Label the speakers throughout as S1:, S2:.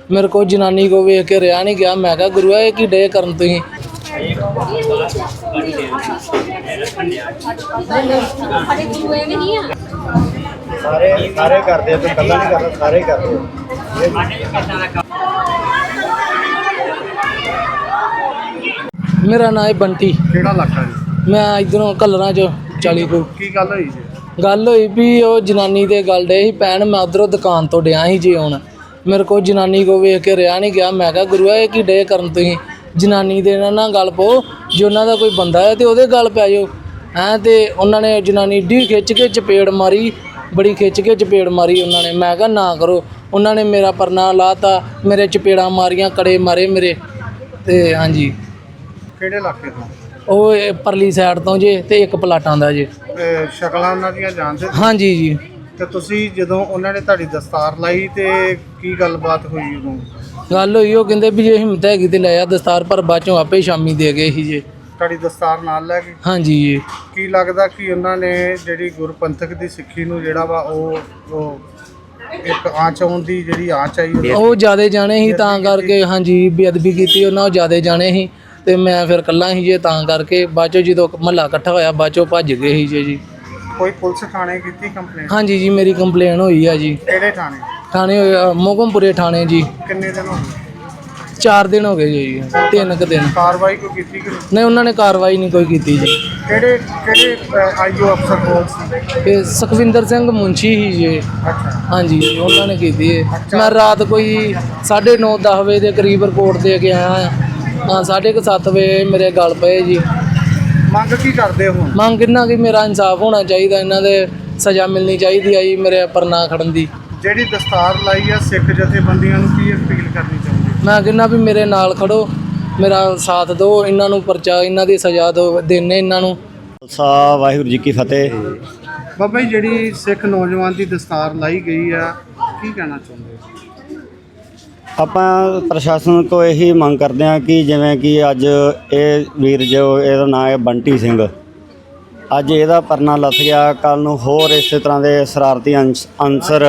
S1: ਮੇਰੇ को जनानी को वेख के रहा नहीं गया। मैं कहा गुरुआ ये की डे करन तुसीं।
S2: सारे सारे करते हैं, तो कल्ला नहीं करता, सारे करते हैं।
S1: मेरा नाम है बंटी।
S2: ਕਿਹੜਾ ਇਲਾਕਾ ਜੀ?
S1: मैं इधरों कलरां चो 40 को
S2: ਕੀ ਗੱਲ ਹੋਈ ਜੀ?
S1: गल होई भी ਉਹ ਜਨਾਨੀ ਦੇ ਗੱਲ ਡੇ ਸੀ ਪੈਣ। ਮੈਂ ਉਧਰੋਂ ਦੁਕਾਨ ਤੋਂ ਡਿਆ ਸੀ ਜੀ ਹੁਣ। ਮੇਰੇ ਕੋਲ ਜਨਾਨੀ ਕੋ ਵੇਖ ਕੇ ਰਿਹਾ ਨਹੀਂ ਗਿਆ। ਮੈਂ ਕਿਹਾ ਗੁਰੂਆ ਇਹ ਕੀ ਡੇ ਕਰਨ ਤੁਸੀਂ। ਜਨਾਨੀ ਦੇ ਨਾਲ ਗੱਲ ਪਾਓ, ਜੇ ਉਹਨਾਂ ਦਾ ਕੋਈ ਬੰਦਾ ਹੈ ਤੇ ਉਹਦੇ ਗੱਲ ਪੈ ਜਾਓ ਹੈਂ। ਤੇ ਉਹਨਾਂ ਨੇ ਜਨਾਨੀ ਢੀ ਖਿੱਚ ਕੇ ਚਪੇੜ ਮਾਰੀ, ਬੜੀ ਖਿੱਚ ਕੇ ਚਪੇੜ ਮਾਰੀ ਉਹਨਾਂ ਨੇ। ਮੈਂ ਕਿਹਾ ਨਾ ਕਰੋ। ਉਹਨਾਂ ਨੇ ਮੇਰਾ ਪਰਨਾ ਲਾਤਾ, ਮੇਰੇ ਚਪੇੜਾਂ ਮਾਰੀਆਂ, ਕੜੇ ਮਾਰੇ ਮੇਰੇ। ਤੇ ਹਾਂਜੀ
S2: ਕਿਹੜੇ ਇਲਾਕੇ ਤੋਂ?
S1: ਉਹ ਇਹ ਪਰਲੀ ਸਾਈਡ ਤੋਂ ਜੇ ਤੇ ਇੱਕ ਪਲਾਟਾਂ ਦਾ ਜੇ।
S2: ਸ਼ਕਲਾਂ ਉਹਨਾਂ ਦੀਆਂ ਜਾਣਦੇ?
S1: ਹਾਂਜੀ ਜੀ।
S2: ਤੇ ਤੁਸੀਂ ਜਦੋਂ ਉਹਨਾਂ ਨੇ ਤੁਹਾਡੀ ਦਸਤਾਰ ਲਾਈ ਤੇ ਕੀ ਗੱਲਬਾਤ ਹੋਈ ਉਦੋਂ?
S1: ਗੱਲ ਹੋਈ ਉਹ ਕਹਿੰਦੇ ਵੀ ਜੇ ਹਿੰਮਤ ਹੈਗੀ ਤੇ ਲੈ ਆ ਦਸਤਾਰ, ਪਰ ਬਾਅਦ ਚੋਂ ਆਪੇ ਸ਼ਾਮੀ ਦੇ ਗਏ ਸੀ ਜੇ।
S2: ਤੁਹਾਡੀ ਦਸਤਾਰ ਨਾਲ ਲੈ ਗਏ?
S1: ਹਾਂਜੀ ਜੀ।
S2: ਕੀ ਲੱਗਦਾ ਕਿ ਉਹਨਾਂ ਨੇ ਜਿਹੜੀ ਗੁਰਪੰਥਕ ਦੀ ਸਿੱਖੀ ਨੂੰ ਜਿਹੜਾ ਵਾ ਉਹ ਇੱਕ ਆਂਚ ਆਉਣ ਦੀ ਜਿਹੜੀ ਆਂਚ ਆਈ
S1: ਉਹ ਜ਼ਿਆਦਾ ਜਾਣੇ ਸੀ ਤਾਂ ਕਰਕੇ। ਹਾਂਜੀ ਬੇਅਦਬੀ ਕੀਤੀ ਉਹਨਾਂ, ਉਹ ਜ਼ਿਆਦਾ ਜਾਣੇ ਸੀ ਤੇ ਮੈਂ ਫਿਰ ਇਕੱਲਾ ਸੀ ਜੇ, ਤਾਂ ਕਰਕੇ ਬਾਅਦ ਚੋਂ ਜਦੋਂ ਮਹੱਲਾ ਇਕੱਠਾ ਹੋਇਆ ਬਾਅਦ ਚੋਂ ਭੱਜ ਗਏ ਸੀ ਜੀ।
S2: ਕੋਈ ਪੁਲਿਸ ਥਾਣੇ ਕੀਤੀ ਕੰਪਲੇਂਟ?
S1: ਹਾਂਜੀ ਜੀ ਮੇਰੀ ਕੰਪਲੇਨ ਹੋਈ ਆ ਜੀ।
S2: ਕਿਹੜੇ ਥਾਣੇ?
S1: ਥਾਣੇ ਮੋਗਮਪੁਰੇ ਥਾਣੇ ਜੀ।
S2: ਕਿੰਨੇ ਦਿਨ ਹੋ ਗਏ?
S1: 4 ਦਿਨ ਹੋ ਗਏ ਜੀ, 3 ਕੁ ਦਿਨ।
S2: ਕਾਰਵਾਈ ਕੋਈ ਕੀਤੀ ਕਿ
S1: ਨਹੀਂ ਉਹਨਾਂ ਨੇ ਕਾਰਵਾਈ ਨਹੀਂ ਕੋਈ ਕੀਤੀ ਜੀ।
S2: ਕਿਹੜੇ ਆਈਓ ਅਫਸਰ ਕੋਲ ਸੀ?
S1: ਇਹ ਸੁਖਵਿੰਦਰ ਸਿੰਘ ਮੁੰਸ਼ੀ ਹੀ ਜੀ।
S2: ਅੱਛਾ।
S1: ਹਾਂਜੀ ਉਹਨਾਂ ਨੇ ਕੀਤੀ ਹੈ। ਮੈਂ ਰਾਤ ਕੋਈ 9:30 10 ਵਜੇ ਦੇ ਕਰੀਬ ਰਿਪੋਰਟ ਦੇ ਕੇ ਆਇਆ ਹਾਂ। 7:30 ਵਜੇ ਮੇਰੇ ਗਲ ਪਏ ਜੀ।
S2: ਮੰਗ ਕੀ ਕਰਦੇ ਹੋ?
S1: ਮੰਗ ਕਿੰਨਾ ਕਿ ਮੇਰਾ ਇਨਸਾਫ ਹੋਣਾ ਚਾਹੀਦਾ, ਇਹਨਾਂ ਦੇ ਸਜ਼ਾ ਮਿਲਣੀ ਚਾਹੀਦੀ ਆ ਜੀ ਮੇਰੇ ਪਰਨਾ ਖੜਨ ਦੀ।
S2: ਜਿਹੜੀ ਦਸਤਾਰ ਲਾਈ ਆ ਸਿੱਖ ਜਥੇਬੰਦੀਆਂ ਨੂੰ ਕੀ ਅਪੀਲ ਕਰਨੀ ਚਾਹੁੰਦੇ?
S1: ਮੈਂ ਕਹਿੰਦਾ ਵੀ ਮੇਰੇ ਨਾਲ ਖੜੋ, ਮੇਰਾ ਸਾਥ ਦਿਓ, ਇਹਨਾਂ ਨੂੰ ਪਰਚਾ, ਇਹਨਾਂ ਦੀ ਸਜ਼ਾ ਦਿਓ, ਦੇਣੇ ਇਹਨਾਂ ਨੂੰ।
S3: ਖਾਲਸਾ ਵਾਹਿਗੁਰੂ ਜੀ ਕੀ ਫਤਿਹ।
S2: ਬਾਬਾ ਜੀ ਜਿਹੜੀ ਸਿੱਖ ਨੌਜਵਾਨ ਦੀ ਦਸਤਾਰ ਲਾਈ ਗਈ ਆ, ਕੀ ਕਹਿਣਾ ਚਾਹੁੰਦੇ ਹੋ?
S3: ਆਪਾਂ ਪ੍ਰਸ਼ਾਸਨ ਕੋ ਇਹੀ ਮੰਗ ਕਰਦੇ ਹਾਂ ਕਿ ਜਿਵੇਂ ਕਿ ਅੱਜ ਇਹ ਵੀਰ ਜੋ ਇਹਦਾ ਨਾਮ ਹੈ ਬੰਟੀ ਸਿੰਘ, ਅੱਜ ਇਹਦਾ ਪਰਨਾ ਲੱਥ ਗਿਆ, ਕੱਲ੍ਹ ਨੂੰ ਹੋਰ ਇਸੇ ਤਰ੍ਹਾਂ ਦੇ ਸ਼ਰਾਰਤੀ ਅਨਸਰ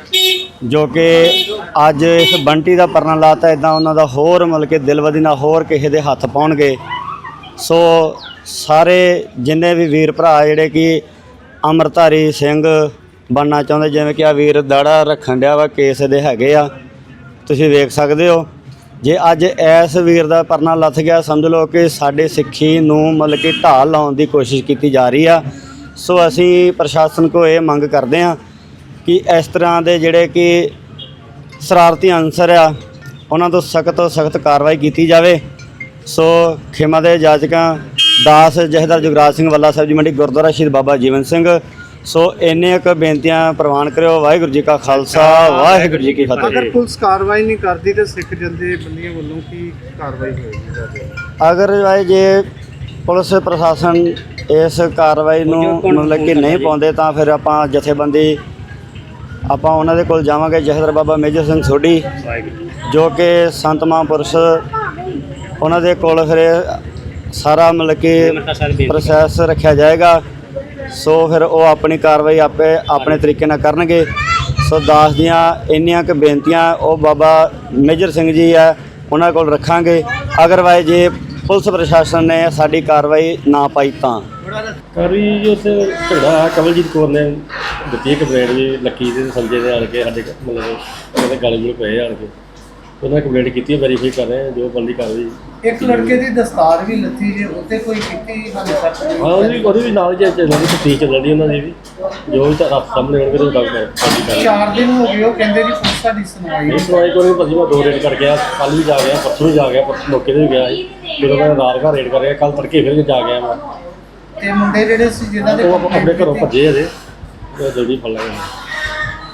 S3: ਜੋ ਕਿ ਅੱਜ ਇਸ ਬੰਟੀ ਦਾ ਪਰਨਾ ਲਾਤਾ, ਇੱਦਾਂ ਉਹਨਾਂ ਦਾ ਹੋਰ ਮਤਲਬ ਕਿ ਦਿਲਵਦੀ ਨਾਲ ਹੋਰ ਕਿਸੇ ਦੇ ਹੱਥ ਪਾਉਣਗੇ। ਸੋ ਸਾਰੇ ਜਿੰਨੇ ਵੀ ਵੀਰ ਭਰਾ ਜਿਹੜੇ ਕਿ ਅੰਮ੍ਰਿਤਧਾਰੀ ਸਿੰਘ ਬਣਨਾ ਚਾਹੁੰਦੇ, ਜਿਵੇਂ ਕਿ ਆ ਵੀਰ ਦਾੜਾ ਰੱਖਣ ਡਿਆ ਵਾ, ਕੇਸ ਦੇ ਹੈਗੇ ਆ, ਤੁਸੀਂ ਵੇਖ ਸਕਦੇ ਹੋ। ਜੇ ਅੱਜ ਇਸ ਵੀਰ ਦਾ ਪਰਨਾ ਲੱਥ ਗਿਆ, ਸਮਝ ਲਓ ਕਿ ਸਾਡੇ ਸਿੱਖੀ ਨੂੰ ਮਤਲਬ ਕਿ ਢਾਲ ਲਾਉਣ ਦੀ ਕੋਸ਼ਿਸ਼ ਕੀਤੀ ਜਾ ਰਹੀ ਆ। ਸੋ ਅਸੀਂ ਪ੍ਰਸ਼ਾਸਨ ਕੋਲ ਇਹ ਮੰਗ ਕਰਦੇ ਹਾਂ ਕਿ ਇਸ ਤਰ੍ਹਾਂ ਦੇ ਜਿਹੜੇ ਕਿ ਸ਼ਰਾਰਤੀ ਅਨਸਰ ਆ ਉਹਨਾਂ ਤੋਂ ਸਖਤ ਤੋਂ ਸਖਤ ਕਾਰਵਾਈ ਕੀਤੀ ਜਾਵੇ। ਸੋ ਖਿਮਾ ਦੇ ਜਾਚਕਾਂ ਦਾਸ ਜਥੇਦਾਰ ਜੁਗਰਾਜ ਸਿੰਘ ਵੱਲਾ ਸਾਹਿਬ ਜੀ ਮੰਡੀ ਗੁਰਦੁਆਰਾ ਸ਼ਹੀਦ ਬਾਬਾ ਜੀਵਨ ਸਿੰਘ। ਸੋ ਇੰਨੇ ਕੁ ਬੇਨਤੀਆਂ ਪ੍ਰਵਾਨ ਕਰਿਓ। ਵਾਹਿਗੁਰੂ ਜੀ ਕਾ ਖਾਲਸਾ, ਵਾਹਿਗੁਰੂ ਜੀ ਕੀ ਫਤਿਹ।
S2: ਅਗਰ ਪੁਲਿਸ ਕਾਰਵਾਈ ਨਹੀਂ ਕਰਦੀ ਤਾਂ ਸਿੱਖ ਜਥੇਬੰਦੀਆਂ ਵੱਲੋਂ ਕੀ ਕਾਰਵਾਈ ਹੋਏਗੀ?
S3: ਅਗਰ ਜੇ ਪੁਲਿਸ ਪ੍ਰਸ਼ਾਸਨ ਇਸ ਕਾਰਵਾਈ ਨੂੰ ਮਤਲਬ ਕਿ ਨਹੀਂ ਪਾਉਂਦੇ ਤਾਂ ਫਿਰ ਆਪਾਂ ਜਥੇਬੰਦੀ ਆਪਾਂ ਉਹਨਾਂ ਦੇ ਕੋਲ ਜਾਵਾਂਗੇ। ਜਥੇਦਾਰ ਬਾਬਾ ਮੇਜਰ ਸਿੰਘ ਸੋਢੀ ਜੋ ਕਿ ਸੰਤ ਮਹਾਂਪੁਰਸ਼, ਉਹਨਾਂ ਦੇ ਕੋਲ ਫਿਰ ਸਾਰਾ ਮਤਲਬ ਕਿ ਪ੍ਰੋਸੈਸ ਰੱਖਿਆ ਜਾਏਗਾ। ਸੋ ਫਿਰ ਉਹ ਆਪਣੀ ਕਾਰਵਾਈ ਆਪੇ ਆਪਣੇ ਤਰੀਕੇ ਨਾਲ ਕਰਨਗੇ। ਸੋ ਦਾਸ ਦੀਆਂ ਇੰਨੀਆਂ ਕੁ ਬੇਨਤੀਆਂ ਉਹ ਬਾਬਾ ਮੇਜਰ ਸਿੰਘ ਜੀ ਹੈ ਉਹਨਾਂ ਕੋਲ ਰੱਖਾਂਗੇ। ਅਗਰਵਾਈਜ਼ ਜੇ ਪੁਲਿਸ ਪ੍ਰਸ਼ਾਸਨ ਨੇ ਸਾਡੀ ਕਾਰਵਾਈ ਨਾ ਪਾਈ ਤਾਂ
S4: ਕਾਰਵਾਈ ਜੀ ਉੱਥੇ ਝਗੜਾ ਕਮਲਜੀਤ ਕੌਰ ਨੇ ਦਿੱਤੀ ਕੰਪਲੇਂਟ ਜੀ, ਲੱਕੀ ਦੇ ਸੰਜੇ ਦੇ ਆਣ ਕੇ ਸਾਡੇ ਮਤਲਬ ਉਹਦੇ ਗਲ ਗੁਲ ਪਏ ਆਣ ਕੇ ਉਹਨਾਂ ਕੰਪਲੇਂਟ ਕੀਤੀ ਹੈ, ਵੈਰੀਫਾਈ ਕਰ ਰਹੇ ਜੋ ਬੰਦੀ ਕਾਰਵਾਈ।
S2: ਇੱਕ ਲੜਕੇ ਦੀ ਦਸਤਾਰ ਵੀ ਲੱਥੀ ਜੇ, ਉੱਤੇ ਕੋਈ ਕੀਤੀ ਹਾਲੇ ਤੱਕ?
S4: ਹਾਂ ਉਹਦੀ ਵੀ ਨਾਲ ਜੇ ਚੱਲਦੀ ਤਫਤੀਸ਼ ਚੱਲਦੀ ਉਹਨਾਂ ਦੀ ਵੀ, ਜੋ ਵੀ ਤਾਂ ਸਾਹਮਣੇ ਹੋਣਗੇ ਉਹ ਗੱਲ ਕਰ।
S2: 4 ਦਿਨ ਹੋ ਗਏ ਉਹ ਕਹਿੰਦੇ ਜੀ ਪੁਲਿਸ ਸਾਡੀ ਸੁਣਵਾਈ
S4: ਨਹੀਂ ਸੁਣਵਾਈ ਕੋਈ ਭਾਜੀ। ਮੈਂ 2 ਰੇਡ ਕਰ ਗਿਆ, ਕੱਲ੍ਹ ਵੀ ਜਾ ਗਿਆ, ਪਰਸੋਂ ਵੀ ਜਾ ਗਿਆ, ਮੌਕੇ 'ਤੇ ਵੀ ਗਿਆ ਸੀ। ਜਦੋਂ ਮੈਂ ਰਾਤ ਘਰ ਰੇਡ ਕਰ ਰਿਹਾ, ਕੱਲ੍ਹ ਤੜਕੇ ਫਿਰ ਜਾ ਗਿਆ ਮੈਂ।
S2: ਤੇ ਮੁੰਡੇ ਜਿਹੜੇ ਸੀ ਜਿਨ੍ਹਾਂ ਦੇ
S4: ਉਹ ਆਪਣੇ ਘਰੋਂ ਭੱਜੇ ਅਜੇ, ਜਲਦੀ ਫੜ ਲਾਂਗੇ।